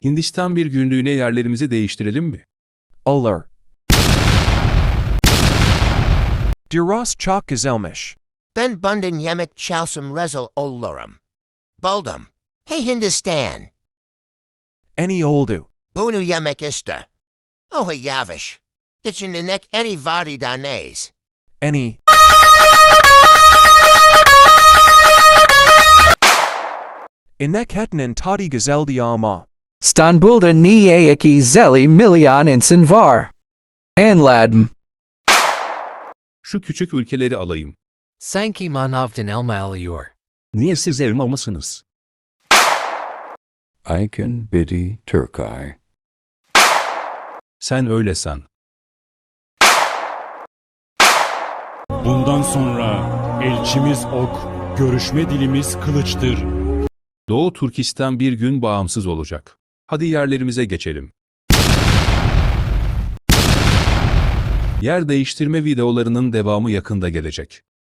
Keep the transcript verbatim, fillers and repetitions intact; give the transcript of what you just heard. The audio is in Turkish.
Hindistan bir günlüğüne yerlerimizi değiştirelim mi? Olur. Duras çok güzelmiş. Ben bundan yemek çalsam rezil olurum. Buldum. Hey Hindistan. Any oldu. Bunu yemek iste. Oh yavish. İçinde nek any vardi danez. Any. İnek hetinin tadi güzeldi ama. İstanbul'da niye iki zeli milyon insan var? Anladım. Şu küçük ülkeleri alayım. Sanki manavdan elma alıyor. Niye siz elma mısınız? Aykin Bidi Turkay. Sen öyle san. Bundan sonra elçimiz ok, görüşme dilimiz kılıçtır. Doğu Türkistan bir gün bağımsız olacak. Hadi yerlerimize geçelim. Yer değiştirme videolarının devamı yakında gelecek.